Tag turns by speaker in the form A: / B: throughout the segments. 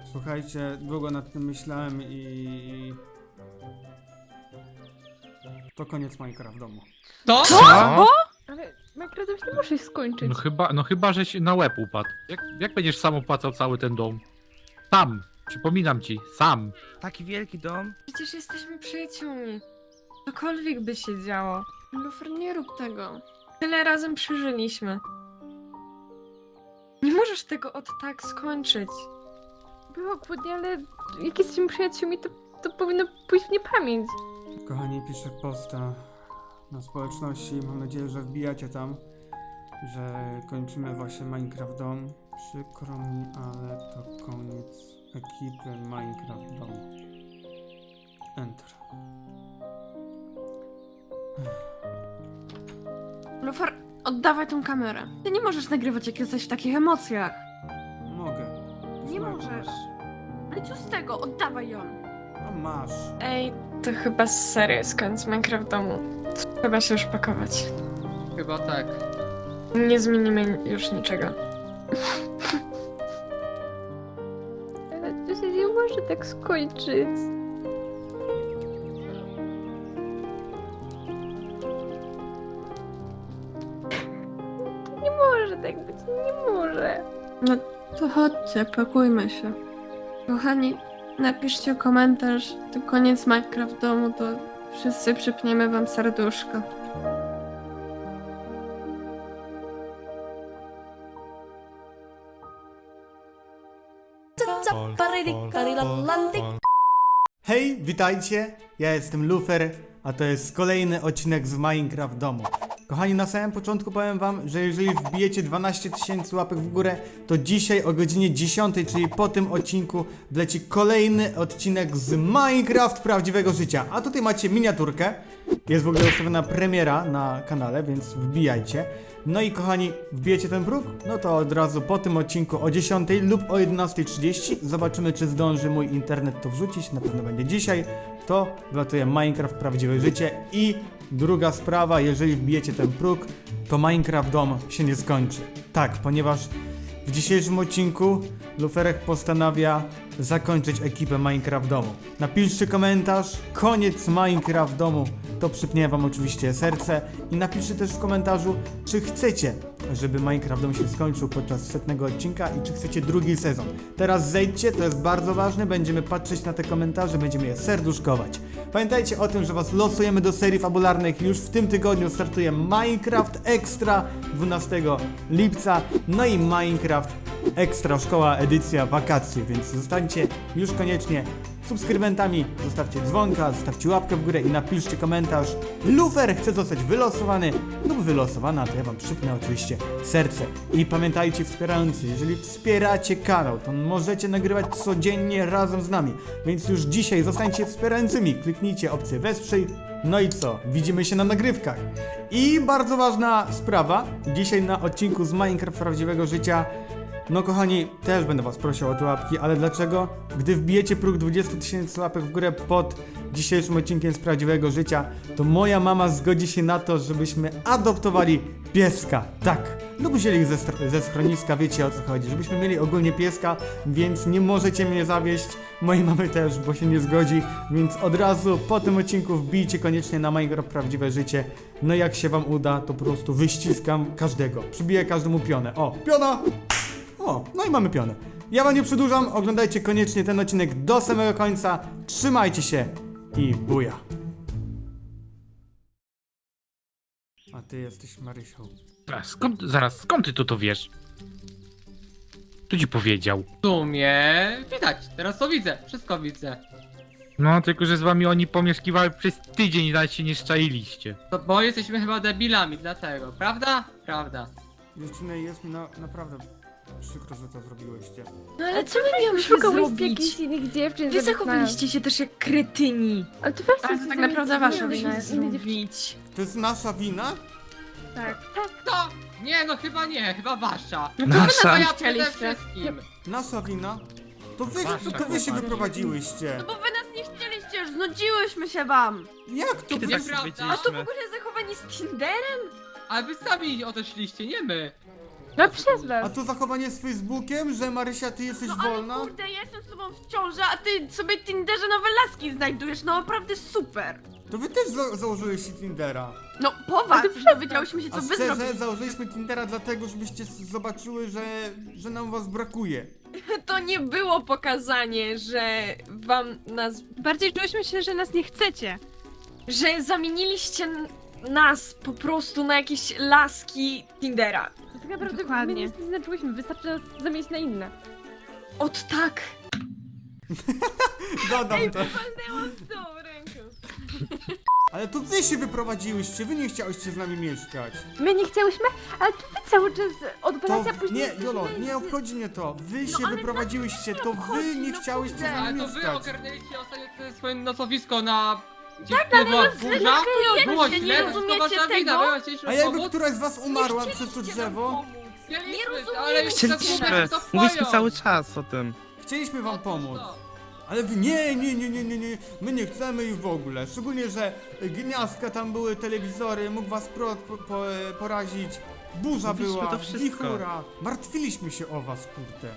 A: Słuchajcie, długo nad tym myślałem i... To koniec Minecraft w domu.
B: To?
C: Co?
D: Ale Minecraft już nie możesz skończyć.
C: No chyba, żeś na łeb upadł. Jak będziesz sam opłacał cały ten dom? Sam. Przypominam ci, sam.
B: Taki wielki dom?
E: Przecież jesteśmy przyjaciółmi. Cokolwiek by się działo.
D: Lufer, nie rób tego.
E: Tyle razem przeżyliśmy. Nie możesz tego od tak skończyć.
D: Było kłótnie, ale jak jesteśmy przyjaciółmi, to powinno pójść w niepamięć.
A: Kochani, piszę posta na społeczności. Mam nadzieję, że wbijacie tam, że kończymy właśnie Minecraft Dom. Przykro mi, ale to koniec ekipy Minecraft Dom. Enter.
E: Lufer, oddawaj tą kamerę. Ty nie możesz nagrywać, jak jesteś w takich emocjach.
A: Mogę. To jest
E: Nie
A: moja
E: możesz.
A: kamera.
E: Ale co z tego? Oddawaj ją.
A: No masz.
E: Ej, to chyba serio jest koniec Minecraft domu. Trzeba się już pakować.
B: Chyba tak.
E: Nie zmienimy już niczego.
D: Ale to się nie może tak skończyć. To nie może tak być, nie może.
E: No to chodźcie, pakujmy się. Kochani, napiszcie komentarz, to koniec Minecraft domu, to wszyscy przypniemy wam serduszko.
A: Hej, witajcie, ja jestem Lufer, a to jest kolejny odcinek z Minecraft Domu. Kochani, na samym początku powiem wam, że jeżeli wbijecie 12 000 łapek w górę, to dzisiaj o godzinie 10, czyli po tym odcinku, wleci kolejny odcinek z Minecraft prawdziwego życia. A tutaj macie miniaturkę, jest w ogóle ustawiona premiera na kanale, więc wbijajcie. No i kochani, wbijecie ten próg? No to od razu po tym odcinku o 10 lub o 11:30 zobaczymy, czy zdąży mój internet to wrzucić, na pewno będzie dzisiaj. To wlatuje Minecraft prawdziwe życie. I druga sprawa, jeżeli wbijecie ten próg, to Minecraft Dom się nie skończy. Tak, ponieważ w dzisiejszym odcinku Luferek postanawia zakończyć ekipę Minecraft Domu. Napiszcie komentarz, koniec Minecraft Domu, to przypnie wam oczywiście serce i napiszcie też w komentarzu, czy chcecie, żeby Minecraft Dom się skończył podczas 100 odcinka i czy chcecie drugi sezon. Teraz zejdźcie, to jest bardzo ważne, będziemy patrzeć na te komentarze, będziemy je serduszkować. Pamiętajcie o tym, że was losujemy do serii fabularnych, już w tym tygodniu startuje Minecraft Extra 12 lipca, no i Minecraft Ekstra Szkoła Edycja Wakacje, więc zostańcie już koniecznie subskrybentami, zostawcie dzwonka, zostawcie łapkę w górę i napiszcie komentarz. Lufer chce zostać wylosowany lub wylosowana, to ja wam przypnę oczywiście serce. I pamiętajcie, wspierający, jeżeli wspieracie kanał, to możecie nagrywać codziennie razem z nami, więc już dzisiaj zostańcie wspierającymi, kliknijcie opcję wesprzyj. No i co? Widzimy się na nagrywkach. I bardzo ważna sprawa, dzisiaj na odcinku z Minecraft Prawdziwego Życia. No kochani, też będę was prosił o te łapki, ale dlaczego? Gdy wbijecie próg 20 000 łapek w górę pod dzisiejszym odcinkiem z Prawdziwego Życia, to moja mama zgodzi się na to, żebyśmy adoptowali pieska. Tak. Lub wzięli ich ze schroniska, wiecie o co chodzi. Żebyśmy mieli ogólnie pieska, więc nie możecie mnie zawieść. Mojej mamy też, bo się nie zgodzi. Więc od razu po tym odcinku wbijcie koniecznie na Minecraft Prawdziwe Życie. No jak się wam uda, to po prostu wyściskam każdego. Przybiję każdemu pionę. O, piona! O, no i mamy pionę. Ja wam nie przedłużam, oglądajcie koniecznie ten odcinek do samego końca. Trzymajcie się i buja. A ty jesteś Marysią.
C: Skąd ty to wiesz? Kto ci powiedział?
B: W sumie widać, teraz to widzę, wszystko widzę.
C: No, tylko że z wami oni pomieszkiwały przez tydzień i nawet się nie szczailiście.
B: To bo jesteśmy chyba debilami, dlatego, prawda? Prawda.
A: Dziewczyny, jest mi naprawdę przykro, że to zrobiłyście.
E: No ale co my miałyśmy
D: Szukałeś jakichś
E: zrobić?
D: innych dziewczyn,
E: Wy
D: żeby
E: zachowaliście się też jak kretyni.
D: Ale to właśnie
E: Ale to tak naprawdę wasza wina jest zrobić.
A: To jest nasza wina?
D: Tak.
B: To! Nie, no chyba nie, chyba wasza.
E: No to
C: Nasza.
E: wy
B: Ja
E: nas
B: przede
E: chcieliście.
B: wszystkim.
A: Nasza wina? To wy
C: Wasza,
A: się
C: chłopaki.
A: wyprowadziłyście.
E: No bo wy nas nie chcieliście, już znudziłyśmy się wam.
A: Jak to?
C: Kiedy
B: tak
C: tak
B: się
E: A to w ogóle zachowanie z Tinderem?
B: Ale wy sami odeszliście, nie my.
D: No przez
A: A
D: was.
A: to zachowanie z Facebookiem, że Marysia, ty jesteś wolna?
F: Ale kurde, ja jestem z tobą w ciąży, a ty sobie w Tinderze nowe laski znajdujesz, no naprawdę super.
A: To wy też założyliście Tindera.
F: No poważnie,
D: Ale to przez
F: dowiedziałyśmy się, co
A: A
F: wy
A: szczerze,
F: zrobiliście.
A: założyliśmy Tindera dlatego, żebyście zobaczyły, że nam was brakuje.
G: To nie było pokazanie, że wam nas...
H: Bardziej czułyśmy się, że nas nie chcecie.
G: że zamieniliście nas po prostu na jakieś laski Tindera.
D: To tak naprawdę
H: Dokładnie.
D: my nic nie znaczyłyśmy, wystarczy nas zamienić na inne.
G: Ot tak!
A: Dodam to.
G: Tą ręką.
A: Ale to wy się wyprowadziłyście, wy nie chciałyście z nami mieszkać.
D: My nie chciałyśmy, ale to wy cały czas
A: To
D: odwalacie, a później...
A: nie, Jolo, nie obchodzi mnie to. Wy się
F: ale
A: wyprowadziłyście, to wy nie chciałyście z
B: Ale
A: nami
B: to wy
A: mieszkać.
B: ogarnęliście ostatnio swoje nocowisko na... Tak, ale
F: no,
B: burza? Było
F: nie
B: źle,
F: rozumiecie
B: to wasza wina,
F: tego?
B: my chcieliśmy
A: A jakby
B: pomóc.
A: któraś z was umarła przez to drzewo,
B: Chcieliśmy, ale już
I: Chcieliśmy,
B: tak to
I: mówiliśmy
B: wpają.
I: cały czas o tym.
A: chcieliśmy wam
B: No to
A: pomóc.
B: co?
A: Ale wy nie, my nie chcemy ich w ogóle. Szczególnie, że gniazdka tam były, telewizory, mógł was prąd porazić. Burza
I: Mówiliśmy
A: była,
I: to wszystko.
A: wichura. Martwiliśmy się o was, kurde.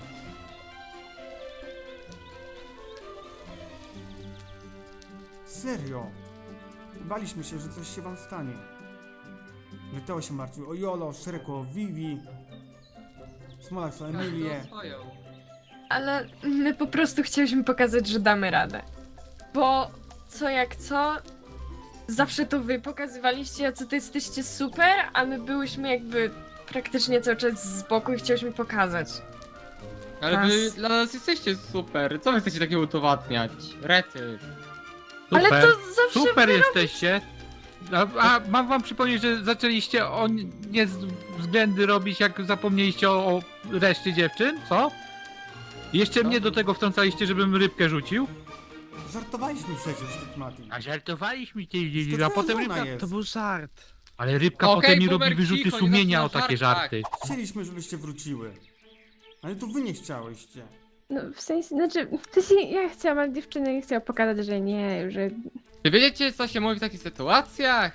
A: Serio. Baliśmy się, że coś się wam stanie. Wyteo się martwił o Jolo, Szreko, o Vivi, Smolak o Emilię.
B: Każdy o swoją.
G: Ale my po prostu chcieliśmy pokazać, że damy radę. Bo co jak co, zawsze to wy pokazywaliście, jacy to jesteście super, a my byłyśmy jakby praktycznie cały czas z boku i chcieliśmy pokazać.
B: Ale wy
G: Nas.
B: dla nas jesteście super. Co wy chcecie takiego udowadniać? Rety.
G: Ale
C: Super,
G: to zawsze
C: super
G: wy
C: jesteście. A mam wam przypomnieć, że zaczęliście o nie względy robić, jak zapomnieliście o reszcie dziewczyn, co? Jeszcze mnie do tego wtrącaliście, żebym rybkę rzucił?
A: Żartowaliśmy przecież, Mati.
C: A żartowaliśmy
A: To
C: cię, a
A: twoja
C: potem
A: żona
C: rybka...
A: jest.
I: To był żart.
C: Ale rybka
B: Okej,
C: potem mi
B: Boomer,
C: robi wyrzuty
B: cicho, nie
C: sumienia o
B: zaczyna
C: takie
B: żart,
C: żarty.
A: Chcieliśmy, żebyście wróciły. Ale to wy nie chciałyście.
D: No w sensie, znaczy, w sensie ja chciałam, ale dziewczyny nie chciały pokazać, że nie, że...
B: Czy wiecie, co się mówi w takich sytuacjach?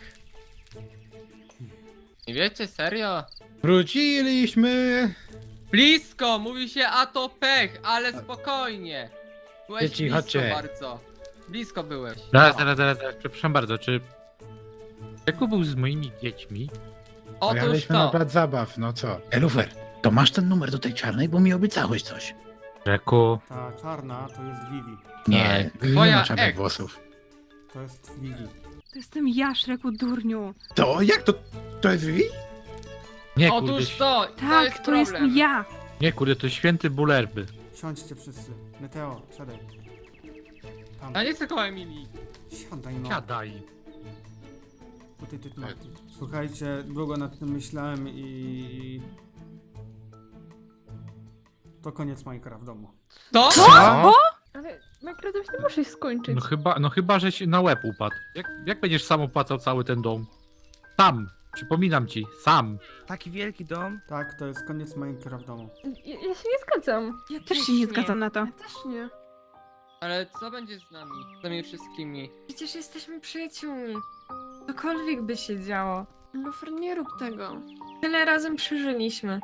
B: Nie wiecie, serio?
J: Wróciliśmy!
B: Blisko, mówi się, a to pech, ale spokojnie. Byłeś
J: Dzieci,
B: blisko
J: chodźcie.
B: bardzo. Blisko byłeś.
C: Zaraz, przepraszam bardzo, czy... Jaku był z moimi dziećmi?
B: Otóż
J: Pojechaliśmy na
B: to.
J: plac zabaw, no co? Lufer, to masz ten numer do tej czarnej, bo mi obiecałeś coś.
C: Rzeku...
A: Ta czarna to jest Vivi.
J: Nie, nie
B: Twoja
J: ma czarnych
B: ex.
J: włosów.
A: To jest Vivi.
H: To jestem ja, Szreku durniu.
J: To jak to? To jest Vivi?
C: Nie, kurde,
B: Otóż to.
H: Tak,
B: jest
H: to
B: problem.
H: jestem ja.
C: nie, kurde, to święty bulerby.
A: Siądźcie wszyscy. Meteo, siadaj. Tam.
B: Ja nie chcę koło Emilii.
A: Siadaj no.
C: Siadaj.
A: Tutaj ty, Mati. Słuchajcie, długo nad tym myślałem i... To koniec Minecraft w domu.
B: To?
D: Ale Minecraft nie muszę skończyć.
C: No chyba, że się na łeb upadł. Jak będziesz sam opłacał cały ten dom? Sam. Przypominam ci, sam.
I: Taki wielki dom.
A: Tak, to jest koniec Minecraft w domu.
D: Ja się nie zgadzam.
G: Ja
H: Też się nie zgadzam na to.
G: Ja też nie.
B: Ale co będzie z nami? Z nami wszystkimi?
G: Przecież jesteśmy przyjaciółmi. Cokolwiek by się działo.
E: Lufer, nie rób tego.
G: Tyle razem przeżyliśmy.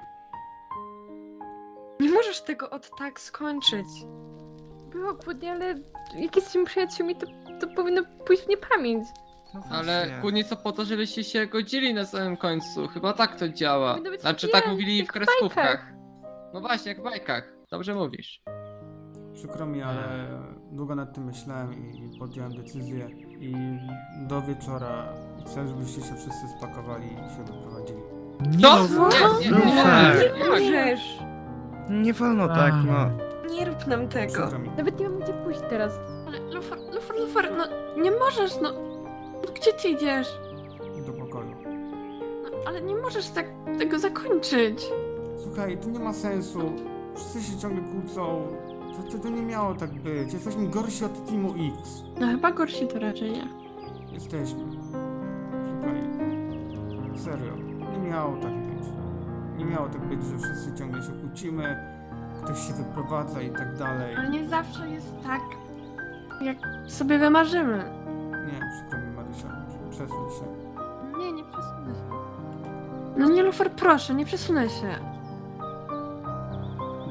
G: Nie możesz tego od tak skończyć.
D: Było kłótnie, ale jak jesteśmy przyjaciółmi, to powinno pójść w niepamięć.
I: No
B: Ale
I: właśnie.
B: kłótnie co po to, żebyście się godzili na samym końcu. Chyba tak to działa.
D: Powinno być
B: Znaczy
D: chwilę,
B: tak mówili w
D: jak w
B: kreskówkach.
D: bajkach.
B: No właśnie, jak w bajkach. Dobrze mówisz.
A: Przykro mi, ale długo nad tym myślałem i podjąłem decyzję. I do wieczora chcę, żebyście się wszyscy spakowali i się wyprowadzili.
B: Co?
C: no,
B: Nie,
I: No
B: nie,
I: tak.
B: nie,
G: Nie
B: nie,
G: możesz!
I: Nie wolno tak, no.
G: Nie rób nam tego.
A: Przykro mi.
D: Nawet nie mam gdzie pójść teraz.
E: Ale Lufer, no nie możesz, no. Gdzie ty idziesz?
A: Do pokoju.
E: No, ale nie możesz tak tego zakończyć.
A: Słuchaj, to nie ma sensu. Wszyscy się ciągle kłócą. To nie miało tak być. Jesteśmy gorsi od Teamu X.
E: No chyba gorsi to raczej nie.
A: Jesteśmy. Słuchaj. Serio. Nie miało tak być. Nie miało tak być, że wszyscy ciągle się kłócimy. Ktoś się wyprowadza i tak dalej.
E: Ale nie zawsze jest tak, jak sobie wymarzymy.
A: Nie, przykro mi, Marysia. Przesuń się.
E: Nie przesunę się. No nie, Lufer, proszę, nie przesunę się.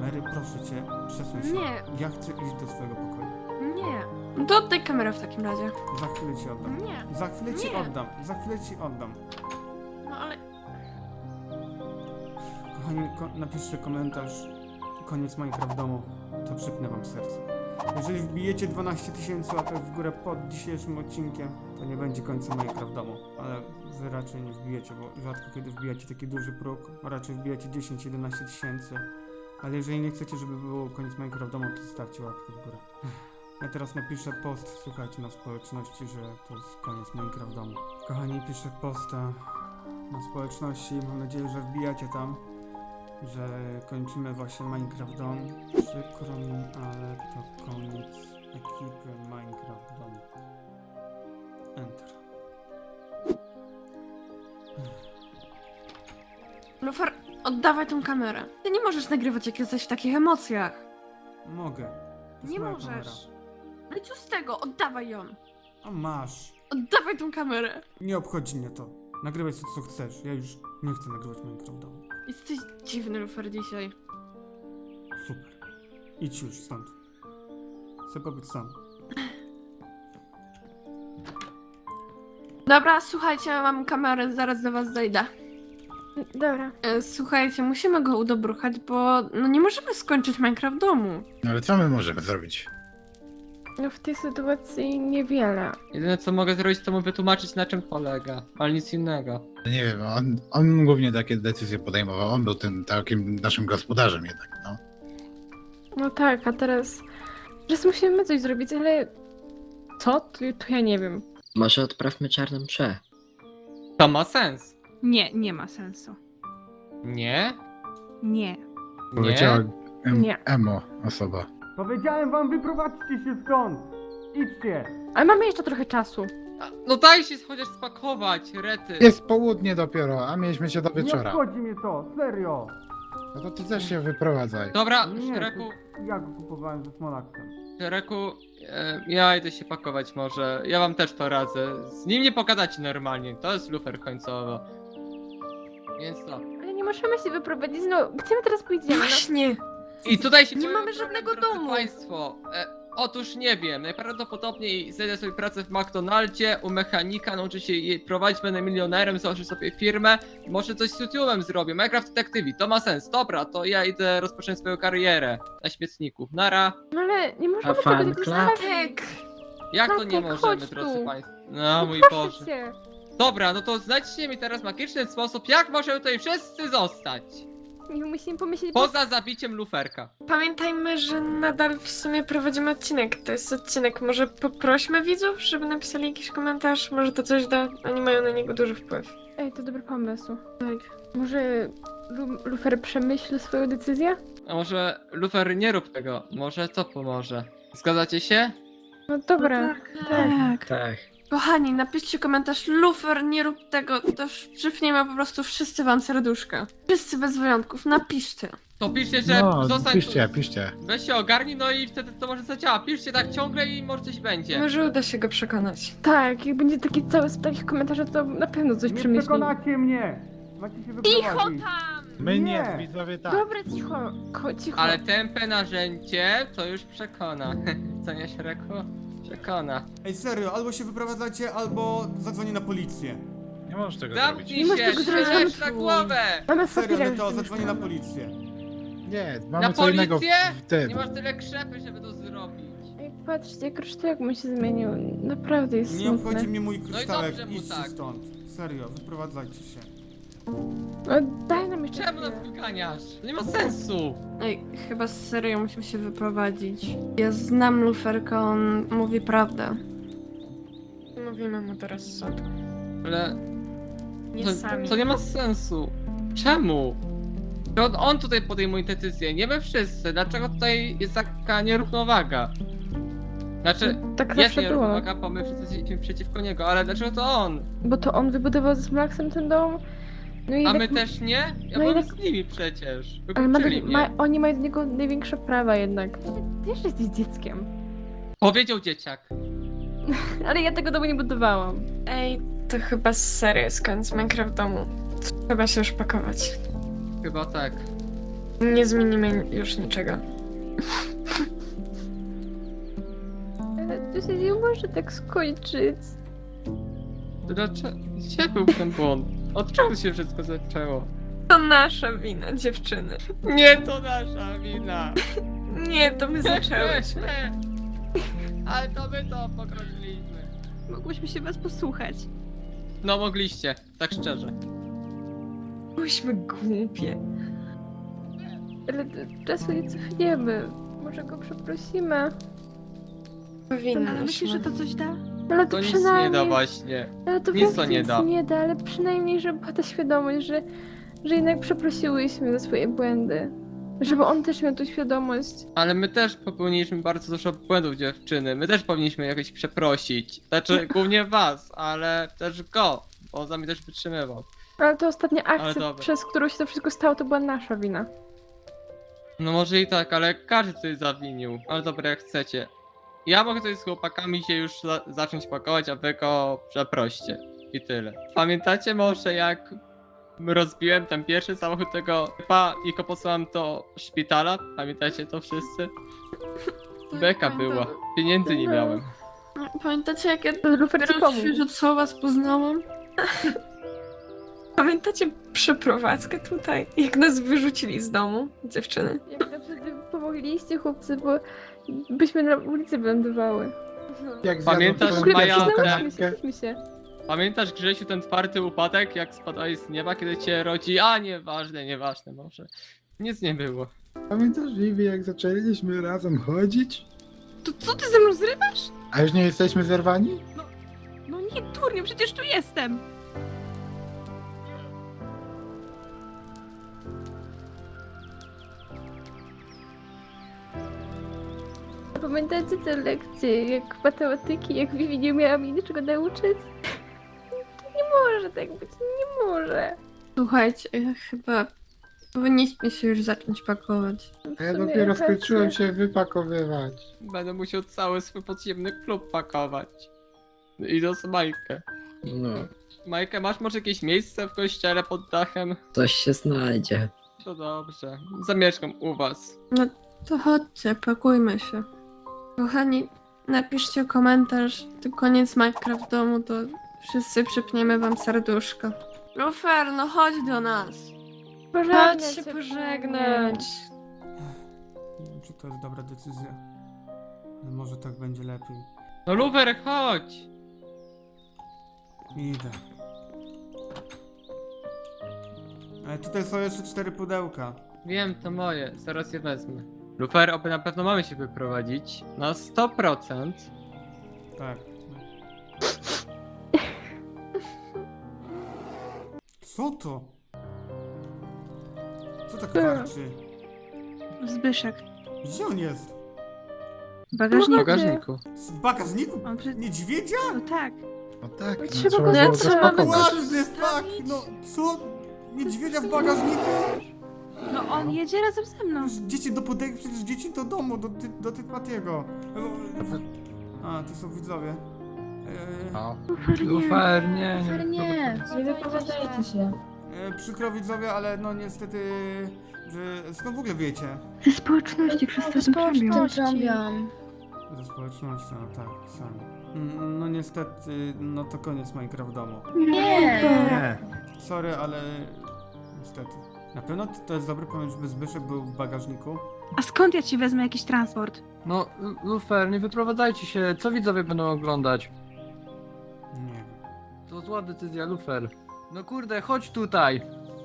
A: Mary, proszę cię, przesuń się.
E: Nie.
A: Ja chcę iść do swojego pokoju.
E: Nie. No to oddaj kamerę w takim razie.
A: Za chwilę ci oddam.
E: Nie.
A: Za chwilę ci
E: Nie.
A: oddam. Za chwilę ci oddam.
E: No ale...
A: Kochani, napiszcie komentarz. Koniec Minecraft w domu. To przypnę wam serce. Jeżeli wbijecie 12 000 łapek w górę pod dzisiejszym odcinkiem, to nie będzie końca Minecraft w domu. Ale wy raczej nie wbijecie, bo rzadko kiedy wbijacie taki duży próg. Raczej wbijacie 10-11 tysięcy. Ale jeżeli nie chcecie, żeby było koniec Minecraft w domu, to zostawcie łapkę w górę. Ja teraz napiszę post, słuchajcie, na społeczności, że to jest koniec Minecraft w domu. Kochani, piszę posta na społeczności. Mam nadzieję, że wbijacie tam, że kończymy właśnie Minecraft Dom. Przykro mi, ale to koniec ekipy Minecraft Dom. Enter.
E: Lufer, oddawaj tą kamerę. Ty nie możesz nagrywać, jak jesteś w takich emocjach.
A: Mogę. To jest
E: Nie
A: moja
E: możesz.
A: kamera.
E: No i co z tego? Oddawaj ją.
A: A masz.
E: Oddawaj tą kamerę.
A: Nie obchodzi mnie to. Nagrywaj sobie co chcesz. Ja już nie chcę nagrywać Minecraft Dom.
E: Jesteś dziwny, Lufer, dzisiaj.
A: Super. Idź już stąd. Chcę pobyć sam.
E: Dobra, słuchajcie, mam kamerę, zaraz do was zejdę.
D: Dobra.
E: Słuchajcie, musimy go udobruchać, bo no nie możemy skończyć Minecraft w domu.
J: No ale co my możemy zrobić?
D: No w tej sytuacji niewiele.
B: Jedyne co mogę zrobić, to mu wytłumaczyć, na czym polega, ale nic innego.
J: No nie wiem, on głównie takie decyzje podejmował. On był tym takim naszym gospodarzem jednak, no.
D: No tak, a teraz musimy coś zrobić, ale co? To ja nie wiem.
K: Może odprawmy czarną mszę.
B: To ma sens.
H: Nie, nie ma sensu.
B: Nie?
H: Nie.
J: Powiedziała
D: Nie.
J: emo osoba.
A: Powiedziałem wam, wyprowadźcie się stąd! Idźcie!
D: Ale mamy jeszcze trochę czasu.
B: No daj się chociaż spakować, rety.
J: Jest południe dopiero, a mieliśmy się do
A: Nie
J: wieczora.
A: obchodzi mnie to, serio!
J: No to ty też się wyprowadzaj.
B: Dobra,
A: Nie,
B: Szreku,
A: ja go kupowałem ze Smolaksem.
B: Szreku, ja idę się pakować może. Ja wam też to radzę. Z nim nie pogadacie normalnie, to jest lufer końcowo. Więc to.
D: Ale nie możemy się wyprowadzić, no gdzie my teraz pójdziemy? No?
E: Właśnie.
B: I tutaj się
E: Nie
B: pojawia
E: mamy
B: problem,
E: żadnego
B: drodzy
E: domu.
B: Państwo. Otóż nie wiem, najprawdopodobniej znajdę sobie pracę w McDonaldzie, u mechanika, nauczę się jej prowadzić, będę milionerem, założę sobie firmę, może coś z YouTube'em zrobię, Minecraft Detectivi, to ma sens, dobra, to ja idę rozpocząć swoją karierę na śmietniku, nara.
D: No ale nie możemy
K: A
D: tego
K: fan
D: tak
K: club?
D: zostawić.
B: Jak to nie
D: Tatek,
B: możemy,
D: chodź
B: drodzy
D: tu.
B: Państwo? No mój
D: Proszę
B: Boże.
D: cię.
B: Dobra, no to znajdźcie mi teraz magiczny sposób, jak możemy tutaj wszyscy zostać.
D: Nie musimy pomyśleć,
B: Poza zabiciem luferka.
G: Pamiętajmy, że nadal w sumie prowadzimy odcinek. To jest odcinek. Może poprośmy widzów, żeby napisali jakiś komentarz. Może to coś da. Oni mają na niego duży wpływ.
D: Ej, to dobry pomysł.
G: Tak.
D: Może Lufer przemyśli swoją decyzję?
B: A może lufer nie rób tego, może to pomoże. Zgadzacie się?
D: No dobra.
E: Tak.
K: Tak.
E: Kochani, napiszcie komentarz, Lufer, nie rób tego, to przypniemy po prostu wszyscy wam serduszka. Wszyscy bez wyjątków, napiszcie.
B: To piszcie, że
J: No,
B: zostań
J: piszcie,
B: tu.
J: piszcie.
B: Weź się ogarnij, no i wtedy to może zadziała. Piszcie tak ciągle i może coś będzie.
G: Może uda się go przekonać.
D: Tak, jak będzie taki cały z takich komentarzy, to na pewno coś
A: Nie
D: przemyśli.
A: przekonacie mnie! Macie się
D: Cicho
A: wyprowadzić.
D: tam!
J: My
A: Nie.
J: nie, widzowie tak.
D: Dobra, cicho. Cicho.
B: Ale tępe narzędzie to już przekona. Co nie, Szreku? Przekona.
A: Ej, serio, albo się wyprowadzacie, albo zadzwonię na policję.
J: Nie możesz tego zrobić.
B: Zamknij
D: możesz
B: się,
D: tego zrobić,
B: strzelać
D: mamy
B: na
D: tu.
B: głowę!
D: Mamy
A: Serio,
D: fakturę.
A: no to zadzwonię na policję.
J: Nie,
B: Na
J: mamy co innego
B: policję?
J: w tym.
B: Nie masz tyle krzepy, żeby to zrobić.
D: Ej, patrzcie, jak kryształek mu się zmienił. Naprawdę jest
A: Nie
D: smutne.
A: obchodzi mnie mój kryształek,
B: dobrze mu
A: idźcie
B: tak.
A: stąd. Serio, wyprowadzajcie się.
D: No, daj nam jeszcze
B: Czemu nas
D: chwilę.
B: wyganiasz? To nie ma sensu.
E: Ej, chyba serio musimy się wyprowadzić. Ja znam Luferka, on mówi prawdę.
G: Mówimy mu teraz sąd.
B: Ale
G: Nie
B: to,
G: sami.
B: to nie ma sensu. Czemu? To on tutaj podejmuje decyzję, nie my wszyscy. Dlaczego tutaj jest taka nierównowaga? Znaczy,
D: Tak
B: jest
D: zawsze było.
B: nierównowaga, bo my wszyscy jesteśmy przeciwko niego, ale dlaczego to on?
D: Bo to on wybudował ze Smlaksem ten dom. No i
B: A
D: tak-
B: my też nie? Ja
D: no i
B: byłem
D: tak-
B: z nimi przecież.
D: Ale
B: Wykluczyli mnie.
D: oni mają do niego największe prawa jednak. Ty jeszcze jesteś dzieckiem.
B: Powiedział dzieciak.
D: Ale ja tego domu nie budowałam.
G: Ej, to chyba serio jest koniec Minecraft domu. Trzeba się już pakować.
B: Chyba tak.
G: Nie zmienimy już niczego.
D: Ale to się nie może tak skończyć.
B: Gdzie był ten błąd? Od czego się wszystko zaczęło?
G: To nasza wina, dziewczyny.
B: Nie, to nasza wina!
G: Nie, to my zaczęłyśmy.
B: Ale to my to pokroczyliśmy.
H: Mogłyśmy się was posłuchać.
B: No mogliście, tak szczerze.
G: Byłyśmy głupie.
D: Ale czasu nie cofniemy. Może go przeprosimy.
H: Ale
G: Powinnyśmy.
H: myślisz, że to coś da?
D: Ale
B: To
D: to
B: nic
D: przynajmniej...
B: nie da właśnie.
D: Ale to
B: Nic
D: nic
B: to nie da.
D: nie da, ale przynajmniej, żeby była ta świadomość, że jednak przeprosiłyśmy za swoje błędy. Żeby on też miał tą świadomość.
B: Ale my też popełniliśmy bardzo dużo błędów, dziewczyny. My też powinniśmy jakoś przeprosić. Znaczy, głównie was, ale też go, bo on za mnie też wytrzymywał.
D: Ale to ostatnia
B: Ale
D: akcja,
B: dobra.
D: przez którą się to wszystko stało, to była nasza wina.
B: No może i tak, ale każdy coś zawinił. Ale dobra, jak chcecie. Ja mogę tutaj z chłopakami się już zacząć pakować, a wy go przeproście. I tyle. Pamiętacie może jak rozbiłem ten pierwszy samochód tego typa i go posłałem do szpitala? Pamiętacie to wszyscy? Beka była. Pieniędzy nie miałem.
E: Pamiętacie, jak ja
D: Lufer ci
E: dopiero
D: pomógł.
E: świeżo co was poznałam?
G: Pamiętacie przeprowadzkę tutaj? Jak nas wyrzucili z domu, dziewczyny?
D: Jak naprawdę pomogliście, chłopcy, bo byśmy na ulicy wylądowały.
J: Jak
B: Pamiętasz,
J: zjadłem
D: Kurde,
B: Maja,
J: pierwszą
D: przyznałyśmy
J: kanapkę?
D: się, się.
B: Pamiętasz, Grzesiu, ten twardy upadek, jak spadałeś z nieba, kiedy cię rodzi? A, nieważne może. Nic nie było.
J: Pamiętasz, Vivi, jak zaczęliśmy razem chodzić?
H: To co ty ze mną zrywasz?
J: A już nie jesteśmy zerwani?
H: No nie, turniu, przecież tu jestem.
D: A pamiętacie te lekcje, jak matematyki, jak Vivi nie miała mi niczego nauczyć? To nie może tak być, nie może.
E: Słuchajcie, chyba powinniśmy się już zacząć pakować.
D: W
J: Ja
D: sumie
J: dopiero
D: racja.
J: skończyłem się wypakowywać.
B: Będę musiał cały swój podziemny klub pakować. I do Majkę.
K: No,
B: Majkę, masz może jakieś miejsce w kościele pod dachem?
K: coś się znajdzie.
B: To dobrze. Zamieszkam u was.
E: To chodźcie, pakujmy się. Kochani, napiszcie komentarz, to koniec Minecraft w domu, to wszyscy przypniemy wam serduszko. Lufer, no chodź do nas.
D: Pożegnać
G: Chodź się pożegnać.
A: Nie wiem, czy to jest dobra decyzja. Ale może tak będzie lepiej.
B: No Lufer, chodź!
A: Idę. Ale tutaj są jeszcze 4 pudełka.
B: Wiem, to moje. Zaraz je wezmę. Lufer, oby na pewno mamy się wyprowadzić. Na 100%.
A: Tak. Co to? Co tak warczy?
H: Zbyszek.
A: Gdzie on jest?
H: W
B: W
H: bagażniku.
B: bagażniku.
A: W bagażniku?
H: On przy...
A: Niedźwiedzia?
H: No tak.
J: No tak, no,
D: Trzeba
J: trzeba
D: go
J: było
E: zatrzymać.
J: zaspakować.
A: What the fuck? No co? Niedźwiedzia w bagażniku?
H: No on jedzie razem ze mną.
A: Przecież dzieci do pudełka, przecież dzieci do domu, do Typatiego. A, to są widzowie.
C: Lufer, nie.
D: Nie wypowiadajcie się.
A: Przykro widzowie, ale no niestety, że skąd w ogóle wiecie?
H: Ze społeczności, wszyscy o tym trąbią.
A: Ze społecznością, no tak, sam. No niestety, no to koniec Minecraft w domu.
J: Nie.
A: Sorry, ale niestety. Na pewno to jest dobry pomysł, żeby Zbyszek był w bagażniku.
H: A skąd ja ci wezmę jakiś transport?
C: No, Lufer, nie wyprowadzajcie się. Co widzowie będą oglądać?
A: Nie wiem.
C: To zła decyzja, Lufer. No kurde, chodź tutaj.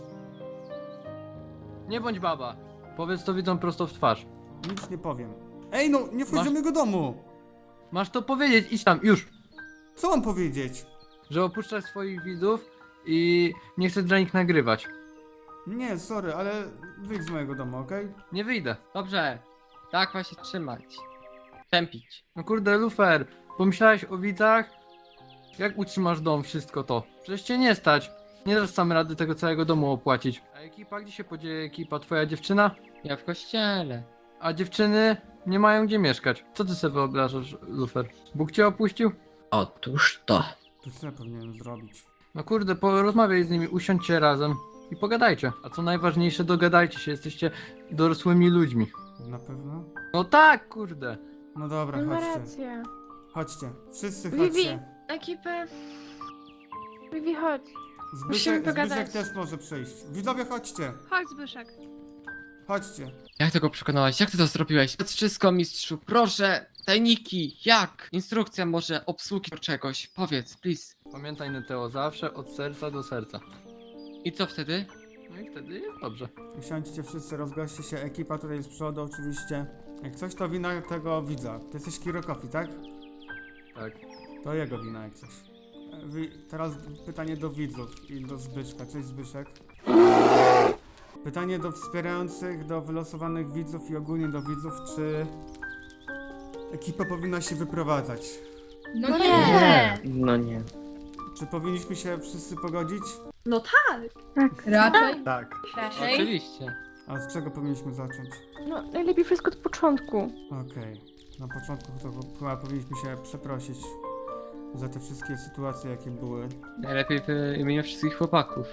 C: Nie bądź baba. Powiedz to widzom prosto w twarz.
A: Nic nie powiem. Ej no, nie wchodź
C: Masz-
A: do mojego domu!
C: Masz to powiedzieć, idź tam, już.
A: Co mam powiedzieć?
C: Że opuszczasz swoich widzów i nie chcesz dla nich nagrywać.
A: Nie, sorry, ale wyjdź z mojego domu, okej?
C: Nie wyjdę.
B: Dobrze. Tak ma się trzymać. Tępić.
C: No kurde, Lufer, pomyślałeś o widzach? Jak utrzymasz dom, wszystko to? Przecież cię nie stać. Nie dasz sam rady tego całego domu opłacić. A ekipa, gdzie się podzieje ekipa? Twoja dziewczyna?
B: Ja w kościele.
C: A dziewczyny nie mają gdzie mieszkać. Co ty sobie wyobrażasz, Lufer? Bóg cię opuścił?
K: Otóż to.
A: To co ja powinienem zrobić?
C: No kurde, porozmawiaj z nimi, usiądźcie razem. i pogadajcie. A co najważniejsze, dogadajcie się, jesteście dorosłymi ludźmi.
A: Na pewno?
C: No tak, kurde.
A: No dobra,
D: On ma
A: chodźcie.
D: rację.
A: Chodźcie. Wszyscy
G: Vivi,
A: chodźcie.
G: ekipę.
D: Vivi, chodź.
G: Musimy pogadać.
A: Zbyszek też może przyjść. Widzowie, chodźcie.
E: Chodź, Zbyszek.
A: Chodźcie.
B: Jak tego przekonałeś? Jak ty to zrobiłeś? To wszystko, mistrzu, proszę! Tajniki, jak? Instrukcja może obsługi czegoś. Powiedz, please.
C: Pamiętaj, Neteo, zawsze od serca do serca.
B: I co wtedy?
C: No i wtedy jest dobrze.
A: Usiądźcie wszyscy, rozgoście się. Ekipa tutaj z przodu oczywiście. Jak coś, to wina tego widza. Ty jesteś Kiro Coffee, tak?
C: Tak.
A: To jego wina jak coś. Teraz pytanie do widzów i do Zbyszka. Cześć Zbyszek. Pytanie do wspierających, do wylosowanych widzów i ogólnie do widzów, czy ekipa powinna się wyprowadzać?
H: No nie!
K: No nie.
A: Czy powinniśmy się wszyscy pogodzić?
F: No tak!
H: Raczej.
J: Tak.
B: Oczywiście.
A: A z czego powinniśmy zacząć?
D: No, najlepiej wszystko od początku.
A: Okej. Na początku to chyba powinniśmy się przeprosić za te wszystkie sytuacje, jakie były.
B: Najlepiej w imieniu wszystkich chłopaków.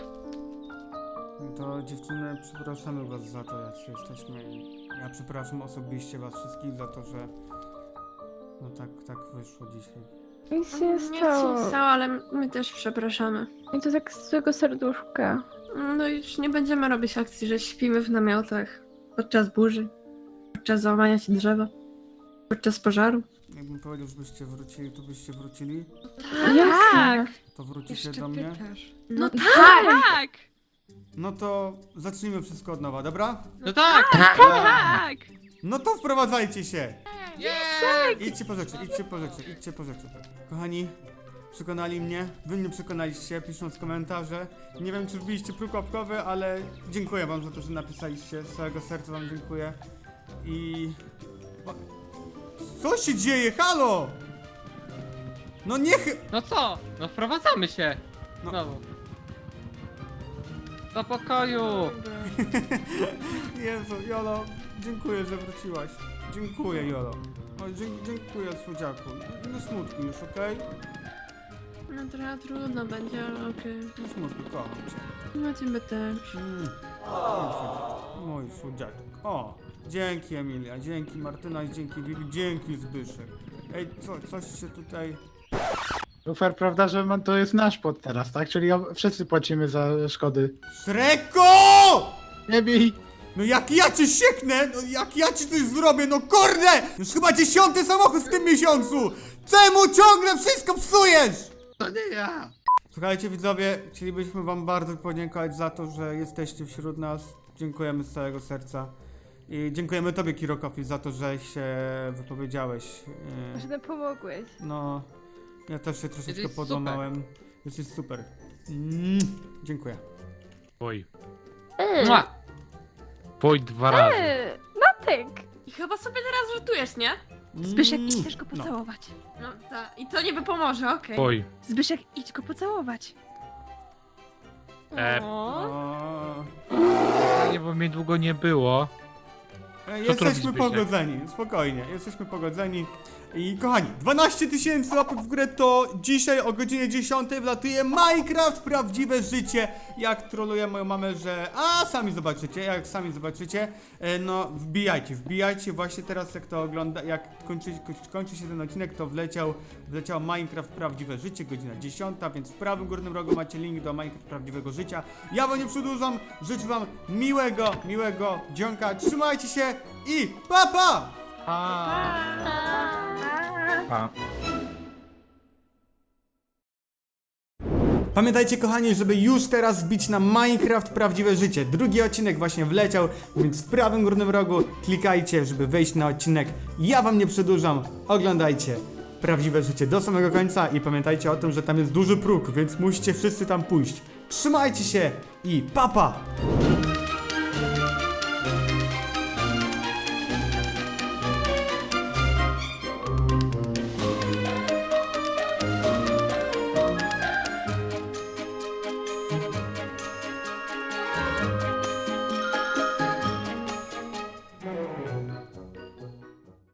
A: To dziewczyny, przepraszamy was za to, jak jesteśmy. Ja przepraszam osobiście was wszystkich za to, że no tak wyszło dzisiaj.
D: Nic się nie
E: Nic się nie
D: stało.
E: stało, ale my też przepraszamy.
D: I to tak z złego serduszka.
E: No już nie będziemy robić akcji, że śpimy w namiotach podczas burzy, podczas załamania się drzewa, podczas pożaru.
A: Jakbym powiedział, żebyście wrócili, to byście wrócili?
D: Jasne.
A: To wrócicie do mnie?
E: No
F: Tak!
A: No to zacznijmy wszystko od nowa, dobra?
B: No tak!
F: Tak!
A: No to wprowadzajcie się!
B: Yeah!
A: Idźcie po rzeczy, idźcie po rzeczy, idźcie po rzeczy. Kochani, przekonali mnie, wy mnie przekonaliście, pisząc komentarze. Nie wiem, czy wbiliście próg łapkowy, ale dziękuję wam za to, że napisaliście. Z całego serca wam dziękuję. I... Co się dzieje? Halo! No niech...
B: No co? No wprowadzamy się!
A: No.
B: Znowu. Do pokoju!
A: Jezu, Jolo, dziękuję, że wróciłaś. Dziękuję, Jolo. O, dziękuję, słodziaku. Nie smutku już, okej?
E: No trochę trudno będzie, ale okej.
A: Nie smutku, kocham cię.
E: No ciebie też.
A: Mój słodziaczek. O, dzięki Emilia, dzięki Martyna, dzięki Vivi, dzięki Zbyszek. Ej, coś się tutaj...
J: Lufer, prawda, że to jest nasz pod teraz, tak? Czyli wszyscy płacimy za szkody.
A: Szreko!
J: Nie bij!
A: No jak ja cię sieknę, no jak ja ci coś zrobię, no kurde! Już chyba 10. samochód w tym miesiącu! Czemu ciągle wszystko psujesz?
J: To nie ja!
A: Słuchajcie widzowie, chcielibyśmy wam bardzo podziękować za to, że jesteście wśród nas. Dziękujemy z całego serca. I dziękujemy tobie, Kiro Coffee, za to, że się wypowiedziałeś.
D: Że nam pomogłeś.
A: No, ja też się troszeczkę
B: Jesteś
A: podłamałem. Jesteś super. Dziękuję.
C: Oj.
B: Mua!
C: Pój 2 razy.
D: Natek!
F: I chyba sobie teraz żartujesz, nie?
H: Zbyszek, idź go
A: No.
H: pocałować.
F: No tak. I to niby pomoże, okej.
C: Pój.
H: Zbyszek, idź go pocałować.
A: O,
C: Nie, bo mnie długo nie było.
A: Jesteśmy
C: robisz, Zbyszek?
A: pogodzeni, spokojnie, jesteśmy pogodzeni. I kochani, 12 000 łapek w górę to dzisiaj o godzinie 10 wlatuje Minecraft Prawdziwe Życie. Jak troluję moją mamę, że... A, sami zobaczycie, no wbijajcie, właśnie teraz jak to ogląda, jak kończy się ten odcinek, to wleciał Minecraft Prawdziwe Życie, godzina 10, więc w prawym górnym rogu macie link do Minecraft Prawdziwego Życia. Ja wam nie przedłużam, życzę wam miłego dzionka, trzymajcie się i pa pa!
J: A.
A: Pamiętajcie kochani, żeby już teraz wbić na Minecraft Prawdziwe Życie. Drugi odcinek właśnie wleciał, więc w prawym górnym rogu klikajcie, żeby wejść na odcinek. Ja wam nie przedłużam, oglądajcie Prawdziwe Życie do samego końca i pamiętajcie o tym, że tam jest duży próg, więc musicie wszyscy tam pójść. Trzymajcie się i pa pa!